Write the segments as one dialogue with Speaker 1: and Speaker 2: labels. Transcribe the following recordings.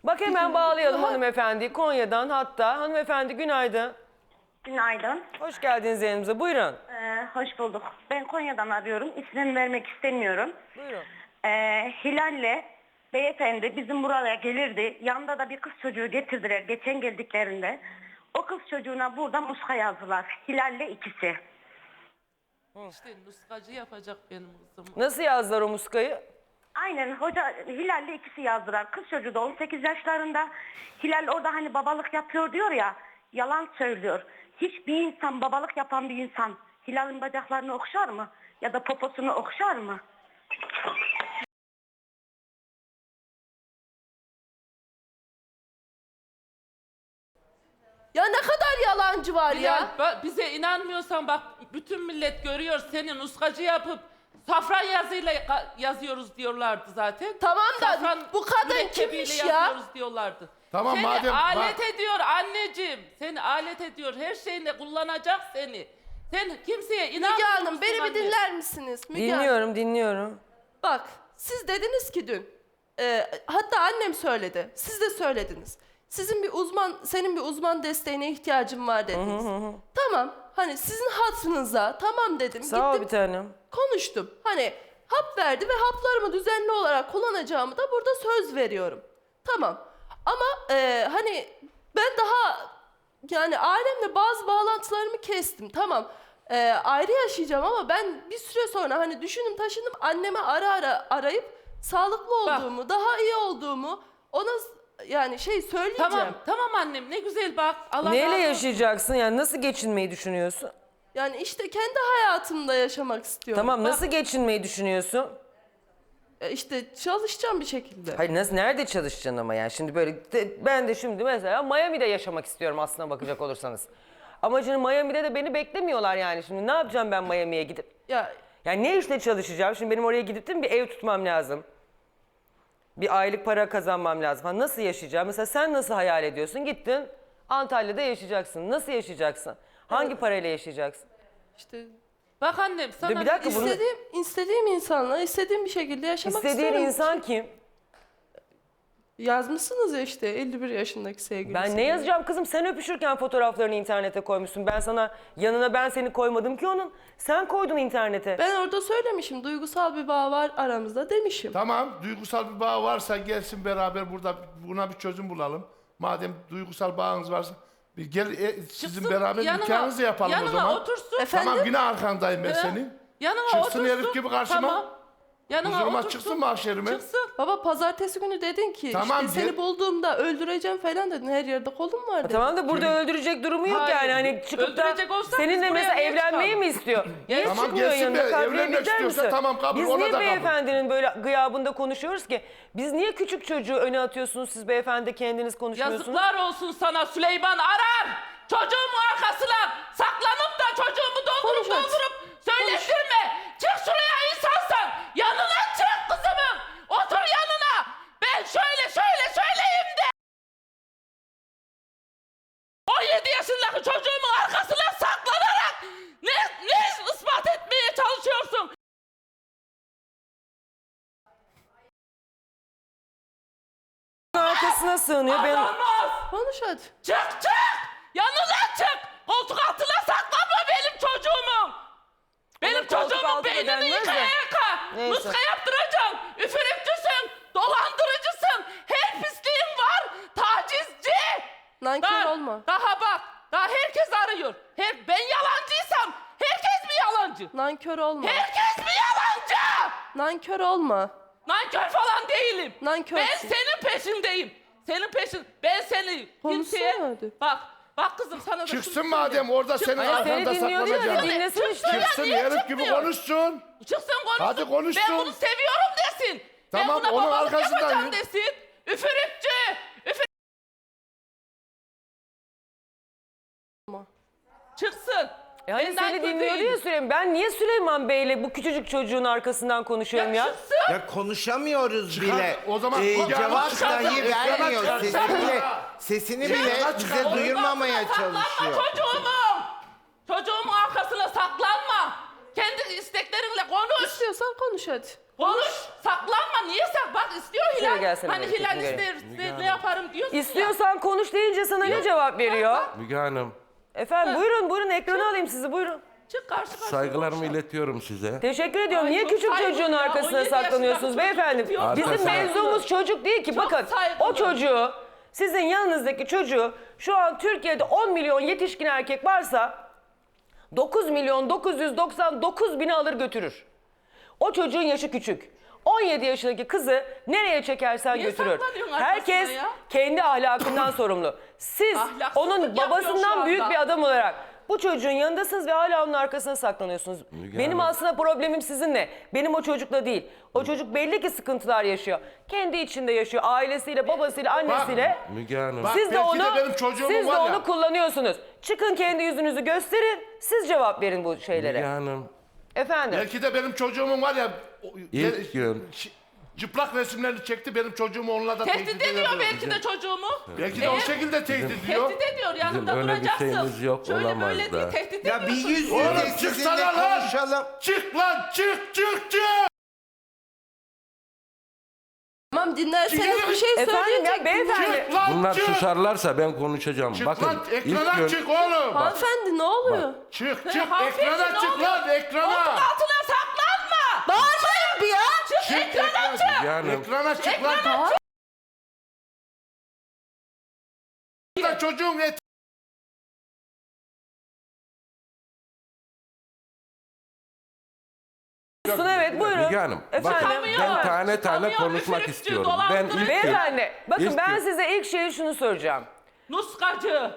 Speaker 1: Bak hemen bağlayalım hanımefendiyi Konya'dan hatta. Hanımefendi günaydın.
Speaker 2: Günaydın.
Speaker 1: Hoş geldiniz yayınımıza. Buyurun.
Speaker 2: Hoş bulduk. Ben Konya'dan arıyorum. İsmini vermek istemiyorum.
Speaker 1: Buyurun.
Speaker 2: Hilal'le beyefendi bizim buraya gelirdi. Yanında da bir kız çocuğu getirdiler geçen geldiklerinde. O kız çocuğuna burada muska yazdılar. Hilal'le ikisi.
Speaker 3: İşte nuskacı yapacak benim kızım.
Speaker 1: Nasıl yazdılar o muskayı?
Speaker 2: Aynen hoca Hilal'le ikisi yazdılar. Kız çocuğu da 18 yaşlarında. Hilal orada hani babalık yapıyor diyor ya. Yalan söylüyor. Hiçbir insan babalık yapan bir insan Hilal'in bacaklarını okşar mı? Ya da poposunu okşar mı?
Speaker 4: Ya ne kadar yalancı var ya.
Speaker 3: Bize inanmıyorsan bak bütün millet görüyor seni nuskacı yapıp safran yazıyla yazıyoruz diyorlardı zaten.
Speaker 4: Tamam da
Speaker 3: Safran
Speaker 4: bu kadın
Speaker 3: mürekkebiyle
Speaker 4: kimmiş ya?
Speaker 3: yazıyoruz diyorlardı.
Speaker 5: Tamam,
Speaker 3: seni
Speaker 5: madem
Speaker 3: alet
Speaker 5: bak-
Speaker 3: ediyor anneciğim. Seni alet ediyor. Her şeyinde kullanacak seni. Sen kimseye
Speaker 4: Müge
Speaker 3: inanmıyorsun
Speaker 4: Hanım beni bir
Speaker 3: anne.
Speaker 4: dinler misiniz? Müge Hanım.
Speaker 1: Dinliyorum.
Speaker 4: Bak siz dediniz ki dün, hatta annem söyledi, siz de söylediniz. Senin bir uzman desteğine ihtiyacım var dediniz. Tamam, hani sizin hatırınıza tamam dedim.
Speaker 1: Sağ ol
Speaker 4: Gittim,
Speaker 1: bir tanem.
Speaker 4: konuştum. Hani hap verdi ve haplarımı düzenli olarak kullanacağımı da burada söz veriyorum. Tamam. Ama hani ben daha yani ailemle bazı bağlantılarımı kestim. Tamam. Ayrı yaşayacağım ama ben bir süre sonra hani düşündüm taşındım anneme ara ara arayıp sağlıklı olduğumu, daha iyi olduğumu ona yani söyleyeceğim.
Speaker 3: Tamam annem ne güzel bak. Allah
Speaker 1: Neyle
Speaker 3: razı olsun.
Speaker 1: yaşayacaksın yani nasıl geçinmeyi düşünüyorsun?
Speaker 4: Yani işte kendi hayatımda yaşamak istiyorum.
Speaker 1: Tamam nasıl geçinmeyi düşünüyorsun?
Speaker 4: İşte çalışacağım bir şekilde.
Speaker 1: Hayır nerede çalışacaksın ama yani şimdi böyle ben de şimdi mesela Miami'de yaşamak istiyorum aslına bakacak olursanız. Ama şimdi Miami'de de beni beklemiyorlar yani şimdi ne yapacağım ben Miami'ye gidip?
Speaker 4: Ya
Speaker 1: Yani ne işle çalışacağım? Şimdi benim oraya gidip de bir ev tutmam lazım. Bir aylık para kazanmam lazım falan. Nasıl yaşayacağım? Mesela sen nasıl hayal ediyorsun? Gittin Antalya'da yaşayacaksın. Nasıl yaşayacaksın? Hangi parayla yaşayacaksın?
Speaker 4: işte
Speaker 3: Bak annem sana
Speaker 1: Bir dakika, bunu-
Speaker 4: istediğim insanla istediğim bir şekilde yaşamak
Speaker 1: İstediğin
Speaker 4: istiyorum.
Speaker 1: insan kim?
Speaker 4: Yazmışsınız ya işte 51 yaşındaki sevgilisi.
Speaker 1: Ben ne yazacağım kızım? Sen öpüşürken fotoğraflarını internete koymuşsun. Ben sana yanına ben seni koymadım ki onun. Sen koydun internete.
Speaker 4: Ben orada söylemişim duygusal bir bağ var aramızda demişim.
Speaker 5: Tamam, duygusal bir bağ varsa gelsin beraber burada buna bir çözüm bulalım. Madem duygusal bağınız varsa bir gel sizin
Speaker 3: Çıksın,
Speaker 5: beraber nikahınızı yapalım o zaman.
Speaker 3: Yanıma otursun.
Speaker 4: Efendim?
Speaker 5: Tamam yine arkandayım ben senin.
Speaker 3: Yanıma
Speaker 5: Çıksın
Speaker 3: otursun.
Speaker 5: herif gibi karşıma.
Speaker 3: Tamam. Yanıma
Speaker 5: Huzuruma
Speaker 3: otursun.
Speaker 5: çıksın mahşerime.
Speaker 3: Çıksın.
Speaker 4: Baba pazartesi günü dedin ki
Speaker 5: Tamam,
Speaker 4: işte seni
Speaker 5: gel.
Speaker 4: bulduğumda öldüreceğim falan dedin. Her yerde kolum var dedin.
Speaker 1: Tamam da burada öldürecek durumu yok
Speaker 3: Hayır,
Speaker 1: yani. Hani çıkıp da
Speaker 3: öldürecek olsa
Speaker 1: seninle
Speaker 3: biz buraya
Speaker 1: mesela
Speaker 3: niye
Speaker 1: evlenmeyi
Speaker 3: çıkalım?
Speaker 1: mi istiyor? Niye
Speaker 5: Tamam,
Speaker 1: çıkmıyor
Speaker 5: gelsin
Speaker 1: yanına?
Speaker 5: be,
Speaker 1: Kadriye
Speaker 5: evlenmek
Speaker 1: gider
Speaker 5: istiyorsa
Speaker 1: misin?
Speaker 5: tamam, kabul,
Speaker 1: Biz
Speaker 5: ona
Speaker 1: niye
Speaker 5: da kabul.
Speaker 1: beyefendinin böyle gıyabında konuşuyoruz ki? Biz niye küçük çocuğu öne atıyorsunuz siz beyefendi kendiniz konuşmuyorsunuz?
Speaker 3: Yazıklar olsun sana Süleyman Arar. Çocuğumun arkasına saklanıp da çocuğumu
Speaker 4: Konuş hadi.
Speaker 3: doldurup söyletirme. Çık şuraya insansan. Yanına çık kızımın. Otur yanına. Ben söyleyeyim de. 17 yaşındaki çocuğumun arkasına saklanarak ne ispat etmeye çalışıyorsun?
Speaker 1: Arkasına sığınıyor. Ben...
Speaker 3: Olmaz.
Speaker 4: Konuş hadi.
Speaker 3: Çık! Yanına çık! Koltuk altına saklanma benim çocuğumu! Benim
Speaker 1: Ona koltuk
Speaker 3: çocuğumun
Speaker 1: altı
Speaker 3: beynini
Speaker 1: denmez
Speaker 3: yıka
Speaker 1: de.
Speaker 3: yıka!
Speaker 1: Neyse.
Speaker 3: Muska yaptıracaksın! Üfürükçüsün! Dolandırıcısın! Her pisliğin var! Tacizci!
Speaker 4: Nankör olma.
Speaker 3: Daha bak! Daha herkes arıyor! Ben yalancıysam herkes mi yalancı?
Speaker 4: Nankör olma.
Speaker 3: Herkes mi yalancı?
Speaker 4: Nankör olma.
Speaker 3: Nankör falan değilim.
Speaker 4: Nankörsün.
Speaker 3: Ben senin peşindeyim. Ben seni
Speaker 4: Konuşsana
Speaker 3: kimseye...
Speaker 4: hadi.
Speaker 3: Bak kızım sana da şunu
Speaker 5: Çıksın
Speaker 3: söyleyeyim.
Speaker 5: madem orada senin
Speaker 1: Hayır, seni
Speaker 5: arkanda
Speaker 1: dinliyor diyor ya,
Speaker 5: saklanacağım.
Speaker 1: dinlesin işte.
Speaker 5: Çıksın
Speaker 3: Niye
Speaker 5: herif gibi
Speaker 3: çıkmıyor?
Speaker 5: konuşsun.
Speaker 3: Çıksın konuşsun.
Speaker 5: Hadi konuşsun.
Speaker 3: Ben bunu seviyorum desin.
Speaker 5: Tamam,
Speaker 3: ben buna
Speaker 5: onun
Speaker 3: babalık
Speaker 5: arkasından
Speaker 3: yapacağım
Speaker 5: yürü.
Speaker 3: desin. Üfürükçü. Çıksın.
Speaker 1: Hani
Speaker 3: Ben
Speaker 1: seni
Speaker 3: nankör
Speaker 1: dinliyor
Speaker 3: değilim.
Speaker 1: ya Süleyman. Ben niye Süleyman Bey'le bu küçücük çocuğun arkasından konuşuyorum ya?
Speaker 3: Çıksın.
Speaker 6: Ya konuşamıyoruz
Speaker 5: Çıkar,
Speaker 6: bile.
Speaker 5: o zaman
Speaker 6: Cevap
Speaker 5: çıkar,
Speaker 6: dahi
Speaker 5: ekrana
Speaker 6: vermiyor.
Speaker 5: çıkar.
Speaker 6: Sesini bile
Speaker 5: Ekrana çıkar.
Speaker 6: bize duyurmamaya
Speaker 3: Saklanma
Speaker 6: çalışıyor.
Speaker 3: çocuğumun arkasına saklanma. Kendi isteklerinle konuş.
Speaker 4: İstiyorsan konuş hadi.
Speaker 3: Konuş. Saklanma. Niye bak istiyor
Speaker 1: Şöyle
Speaker 3: Hilal.
Speaker 1: gelsene
Speaker 3: Hani
Speaker 1: böyle,
Speaker 3: Hilal
Speaker 1: gözünü
Speaker 3: ister,
Speaker 1: göreyim.
Speaker 3: ister ne yapar yaparım diyorsun ya.
Speaker 1: İstiyorsan konuş deyince sana ne cevap veriyor?
Speaker 7: Müge Hanım,
Speaker 1: Efendim buyurun ekrana alayım sizi buyurun.
Speaker 3: Çık karşı karşıya
Speaker 7: saygılarımı
Speaker 3: konuşalım.
Speaker 7: iletiyorum size.
Speaker 1: Teşekkür ediyorum.
Speaker 3: Ay,
Speaker 1: Niye
Speaker 3: çok
Speaker 1: küçük
Speaker 3: saygılı
Speaker 1: çocuğun
Speaker 3: ya.
Speaker 1: arkasına
Speaker 3: 17
Speaker 1: saklanıyorsunuz
Speaker 3: yaşındaki
Speaker 1: beyefendi?
Speaker 3: çocuk diyor.
Speaker 1: Bizim
Speaker 7: Arkasına-
Speaker 1: mevzumuz çocuk değil ki.
Speaker 3: Çok
Speaker 1: Bakın
Speaker 3: saygılı.
Speaker 1: o çocuğu, sizin yanınızdaki çocuğu şu an Türkiye'de 10 milyon yetişkin erkek varsa 9 milyon 999 bini alır götürür. O çocuğun yaşı küçük. 17 yaşındaki kızı nereye çekersen
Speaker 3: Niye
Speaker 1: götürür.
Speaker 3: saklanıyorsun arkasına
Speaker 1: Herkes
Speaker 3: ya?
Speaker 1: kendi ahlakından sorumlu. Siz
Speaker 3: Ahlaksızlık
Speaker 1: onun
Speaker 3: yapıyor şu
Speaker 1: babasından büyük
Speaker 3: anda.
Speaker 1: bir adam olarak bu çocuğun yanındasınız ve hala onun arkasına saklanıyorsunuz.
Speaker 7: Müge
Speaker 1: Benim
Speaker 7: Hanım.
Speaker 1: aslında problemim sizinle. Benim o çocukla değil. O çocuk belli ki sıkıntılar yaşıyor. Kendi içinde yaşıyor. Ailesiyle, babasıyla, annesiyle.
Speaker 7: Müge Hanım,
Speaker 5: Bak,
Speaker 1: Siz de
Speaker 5: belki
Speaker 1: onu,
Speaker 5: de benim çocuğumun
Speaker 1: siz de
Speaker 5: var ya.
Speaker 1: onu kullanıyorsunuz. Çıkın kendi yüzünüzü gösterin. Siz cevap verin bu şeylere.
Speaker 7: Müge Hanım.
Speaker 1: Efendim.
Speaker 5: Belki de benim çocuğumun var ya
Speaker 7: İlk gün.
Speaker 5: çıplak resimlerini çekti, benim çocuğumu onunla da
Speaker 3: Tehdit ediyor belki de çocuğumu.
Speaker 5: Belki de o şekilde tehdit ediyor.
Speaker 3: Tehdit ediyor, yanımda
Speaker 7: öyle bir
Speaker 3: duracaksın.
Speaker 7: şeyimiz yok,
Speaker 3: Şöyle
Speaker 7: olamaz
Speaker 3: böyle
Speaker 7: da.
Speaker 3: değil, tehdit
Speaker 6: Ya bir
Speaker 3: ediyorsun.
Speaker 6: yüz
Speaker 5: Oğlum
Speaker 6: yüze
Speaker 5: çıksana
Speaker 6: sizinle
Speaker 5: lan!
Speaker 6: konuşalım.
Speaker 5: Çık lan, çık!
Speaker 4: Tamam dinlerseniz
Speaker 5: Çıkın.
Speaker 4: bir şey
Speaker 1: Efendim
Speaker 4: söyleyecek.
Speaker 1: ya beyefendi.
Speaker 5: Çık lan,
Speaker 7: Bunlar
Speaker 5: çık!
Speaker 7: susarlarsa ben konuşacağım.
Speaker 5: Çık
Speaker 7: Bakın
Speaker 5: lan,
Speaker 7: ilk
Speaker 5: ekrana
Speaker 7: gün
Speaker 5: çık oğlum!
Speaker 4: Hanımefendi ne oluyor?
Speaker 5: Çık,
Speaker 3: He,
Speaker 5: çık,
Speaker 3: hanımefendi,
Speaker 5: ekrana
Speaker 3: ne
Speaker 5: çık
Speaker 3: oluyor?
Speaker 5: lan,
Speaker 3: Koltuk
Speaker 5: ekrana!
Speaker 3: altına saklanma.
Speaker 4: Bağırmayın bir ya.
Speaker 3: Çık ekrana çık.
Speaker 7: Müge Hanım,
Speaker 5: Ekrana çık lan! Lan çocuğun et...
Speaker 1: Evet buyurun.
Speaker 7: Müge Hanım, bakın
Speaker 1: Efendim.
Speaker 7: ben tane tane
Speaker 3: Tanıyor,
Speaker 7: konuşmak
Speaker 3: üfürükçü,
Speaker 7: istiyorum. Ben
Speaker 3: dolandırıcı.
Speaker 7: ilk gün,
Speaker 1: Beyefendi bakın
Speaker 7: İlk
Speaker 1: ben
Speaker 7: gün.
Speaker 1: size ilk şeyi şunu soracağım.
Speaker 3: Nuskacı.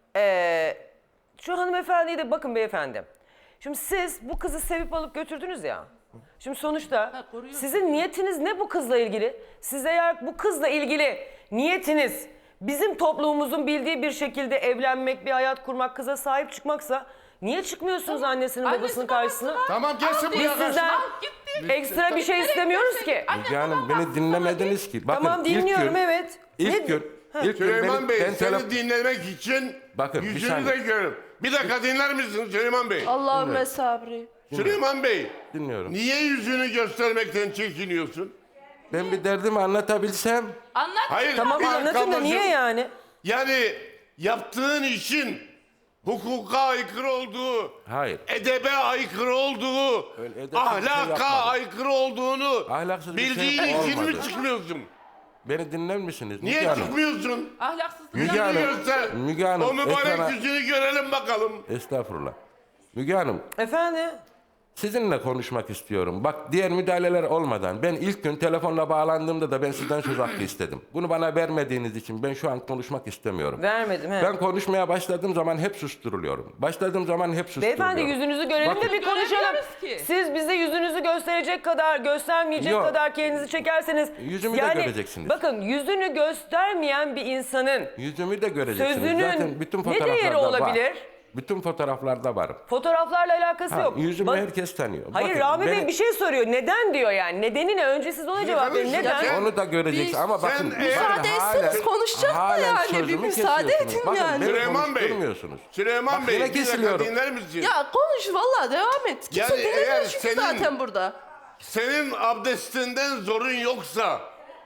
Speaker 1: Şu hanımefendiyi de bakın beyefendi. Şimdi siz bu kızı sevip alıp götürdünüz ya. Şimdi sonuçta
Speaker 3: koruyor.
Speaker 1: sizin niyetiniz ne bu kızla ilgili? Siz eğer bu kızla ilgili niyetiniz bizim toplumumuzun bildiği bir şekilde evlenmek, bir hayat kurmak, kıza sahip çıkmaksa niye çıkmıyorsunuz annesinin
Speaker 3: Annesi,
Speaker 1: babasının
Speaker 3: babası
Speaker 1: karşısına?
Speaker 3: var.
Speaker 5: Tamam gelsin
Speaker 3: Al
Speaker 5: buraya
Speaker 3: diyor,
Speaker 1: Sizden
Speaker 5: karşıma.
Speaker 3: al, gitti.
Speaker 1: ekstra bir şey istemiyoruz ki.
Speaker 7: Müge Hanım beni dinlemediniz ki. Bakın
Speaker 1: Tamam dinliyorum
Speaker 7: ilk gün,
Speaker 1: evet.
Speaker 7: İlk
Speaker 1: Ne-
Speaker 7: gün, ilk gün
Speaker 8: Süleyman Bey,
Speaker 7: ben
Speaker 8: seni dinlemek için
Speaker 7: Bakın, bir
Speaker 8: yüzünü
Speaker 7: saniye.
Speaker 8: de görüyorum. Bir dakika dinler misin Süleyman Bey?
Speaker 4: Allahümme sabri.
Speaker 8: Süleyman Bey,
Speaker 7: dinliyorum.
Speaker 8: niye yüzünü göstermekten çekiniyorsun?
Speaker 7: Ben bir derdimi anlatabilsem,
Speaker 3: Anlat.
Speaker 8: Hayır,
Speaker 1: Tamam
Speaker 8: bir dakika
Speaker 1: anlatın da niye
Speaker 8: ablacığım.
Speaker 1: yani?
Speaker 8: Yani yaptığın işin hukuka aykırı olduğu,
Speaker 7: hayır.
Speaker 8: edebe aykırı olduğu,
Speaker 7: Öyle edepsiz bir şey
Speaker 8: ahlaka
Speaker 7: yapmadım.
Speaker 8: aykırı olduğunu
Speaker 7: Ahlaksız bir şey
Speaker 8: bildiğin için mi
Speaker 7: olmadı.
Speaker 8: çıkmıyorsun?
Speaker 7: Beni dinler misiniz?
Speaker 8: Niye
Speaker 7: Müge Hanım?
Speaker 8: çıkmıyorsun?
Speaker 3: Ahlaksızlık.
Speaker 7: Müge
Speaker 8: Yüzünü
Speaker 7: Hanım,
Speaker 8: göster.
Speaker 7: Müge Hanım,
Speaker 8: O mübarek
Speaker 7: ekrana-
Speaker 8: yüzünü görelim bakalım.
Speaker 7: Estağfurullah. Müge Hanım,
Speaker 1: Efendim?
Speaker 7: sizinle konuşmak istiyorum. Bak diğer müdahaleler olmadan ben ilk gün telefonla bağlandığımda da ben sizden söz hakkı istedim. Bunu bana vermediğiniz için ben şu an konuşmak istemiyorum.
Speaker 1: Vermedim he.
Speaker 7: Ben konuşmaya başladığım zaman hep susturuluyorum. Başladığım zaman hep susturuluyorum.
Speaker 1: Beyefendi yüzünüzü görelim de bir konuşalım.
Speaker 3: Göremiyoruz ki.
Speaker 1: Siz bize yüzünüzü gösterecek kadar, göstermeyecek
Speaker 7: Yok.
Speaker 1: kadar kendinizi çekerseniz.
Speaker 7: Yüzümü de göreceksiniz.
Speaker 1: Bakın yüzünü göstermeyen bir insanın
Speaker 7: Yüzümü de göreceksiniz.
Speaker 1: sözünün
Speaker 7: Zaten bütün
Speaker 1: ne değeri
Speaker 7: fotoğraflarda
Speaker 1: olabilir?
Speaker 7: var. Bütün fotoğraflarda varım.
Speaker 1: Fotoğraflarla alakası
Speaker 7: Ha,
Speaker 1: yok.
Speaker 7: yüzümü
Speaker 1: Bak-
Speaker 7: herkes tanıyor.
Speaker 1: Hayır
Speaker 7: Bakın,
Speaker 1: Rami Bey
Speaker 7: beni-
Speaker 1: bir şey soruyor. Neden diyor yani? Nedeni ne? Önce siz ona cevap verin.
Speaker 8: kardeşim,
Speaker 1: Neden?
Speaker 8: sen-
Speaker 7: Onu da göreceksiniz ama bakın.
Speaker 8: sen-
Speaker 4: Müsaade etseniz konuşacak da yani. Bir
Speaker 7: sözümü
Speaker 4: müsaade
Speaker 7: kesiyorsunuz.
Speaker 4: edin
Speaker 7: Bakın,
Speaker 4: yani.
Speaker 7: beni
Speaker 8: Süleyman Bey.
Speaker 7: konuşturmuyorsunuz.
Speaker 8: Süleyman
Speaker 7: Bak,
Speaker 8: Bey,
Speaker 7: yine
Speaker 8: bir dakika
Speaker 7: kesiliyorum.
Speaker 8: dinler misin?
Speaker 4: Ya konuş vallahi devam et. Kimse
Speaker 8: Yani
Speaker 4: dinlemiyor
Speaker 8: eğer
Speaker 4: çünkü
Speaker 8: senin-
Speaker 4: zaten burada.
Speaker 8: Senin abdestinden zorun yoksa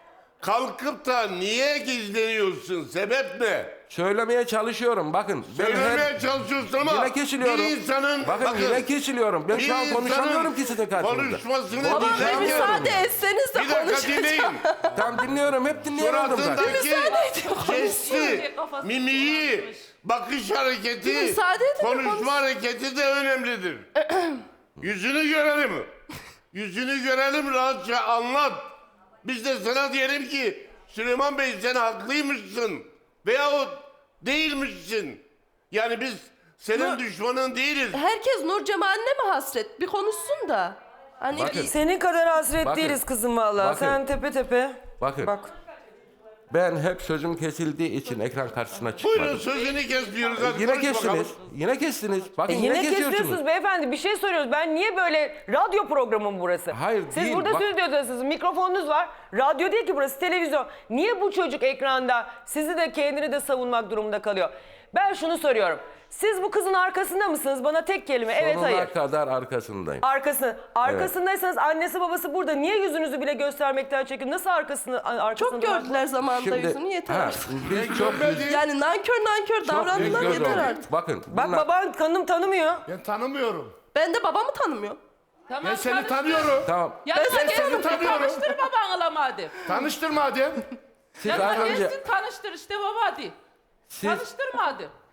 Speaker 8: kalkıp da niye gizleniyorsun? Sebep ne?
Speaker 7: Söylemeye çalışıyorum. Bakın. ben
Speaker 8: Söylemeye çalışıyorsun ama
Speaker 7: Yine kesiliyorum.
Speaker 8: bir insanın...
Speaker 7: Bakın yine kesiliyorum. Ben şu an
Speaker 8: bir
Speaker 7: konuşamıyorum
Speaker 8: insanın
Speaker 7: ki sizin karşınızda.
Speaker 8: konuşmasını
Speaker 4: Ama bir
Speaker 8: dinlemiyorum.
Speaker 4: müsaade etseniz de
Speaker 8: Bir dakika
Speaker 4: konuşacağım.
Speaker 8: dinleyin.
Speaker 7: Tam dinliyorum. Hep dinliyorum zaten.
Speaker 8: Suratındaki
Speaker 4: edin,
Speaker 8: jesti, mimiği, bakış hareketi,
Speaker 4: Bir müsaade edin,
Speaker 8: konuşma
Speaker 4: konuş.
Speaker 8: hareketi de önemlidir. Yüzünü görelim. Yüzünü görelim, rahatça anlat. Biz de sana diyelim ki Süleyman Bey sen haklıymışsın veyahut değilmişsin. Yani biz senin düşmanın değiliz.
Speaker 4: Herkes Nur Cemal'ine mi hasret? Bir konuşsun da. Hani
Speaker 7: Bakın.
Speaker 1: Senin kadar hasret
Speaker 7: Bakın.
Speaker 1: değiliz kızım vallahi.
Speaker 7: Bakın.
Speaker 1: Sen tepe tepe.
Speaker 7: Bakın.
Speaker 1: Bak.
Speaker 7: Ben hep sözüm kesildiği için ekran karşısına çıkmadım.
Speaker 8: Buyurun sözünü kesiyoruz. Hadi
Speaker 7: Yine
Speaker 8: konuş
Speaker 7: kestiniz.
Speaker 8: bakalım.
Speaker 7: Yine kestiniz. Bakın
Speaker 1: Yine
Speaker 7: yine kesiyorsunuz.
Speaker 1: kesiyorsunuz beyefendi. Bir şey soruyoruz. Ben niye böyle radyo programı mı burası?
Speaker 7: Hayır,
Speaker 1: Siz
Speaker 7: değil.
Speaker 1: burada
Speaker 7: Bak-
Speaker 1: stüdyodasınız. Mikrofonunuz var. Radyo değil ki burası televizyon. Niye bu çocuk ekranda sizi de kendini de savunmak durumunda kalıyor? Ben şunu soruyorum. Siz bu kızın arkasında mısınız? Bana tek kelime. Evet,
Speaker 7: Sonuna
Speaker 1: hayır.
Speaker 7: kadar arkasındayım.
Speaker 1: Arkasındaysanız annesi babası burada. Niye yüzünüzü bile göstermekten çekin? Nasıl arkasında
Speaker 4: Çok gördüler zamanında yüzünü, yeter artık.
Speaker 7: Biz çok
Speaker 4: Yani nankör davrandılar,
Speaker 7: göz
Speaker 4: yeter
Speaker 7: olduk.
Speaker 4: artık.
Speaker 7: Bakın.
Speaker 1: Bak
Speaker 7: bunlar-
Speaker 1: baban tanımıyor.
Speaker 5: Ben tanımıyorum.
Speaker 4: Ben de babamı tanımıyorum.
Speaker 3: Tamam,
Speaker 5: Ben seni
Speaker 3: tanıştır.
Speaker 5: tanıyorum.
Speaker 7: Tamam.
Speaker 3: Yanına
Speaker 5: Ben seni
Speaker 3: gelsin
Speaker 5: tanıyorum.
Speaker 3: tanıştır babanla madem.
Speaker 5: Tanıştır madem.
Speaker 7: Siz
Speaker 3: Yanına
Speaker 7: az önce
Speaker 3: gelsin tanıştır işte baba hadi.
Speaker 7: siz
Speaker 3: Tanıştır madem.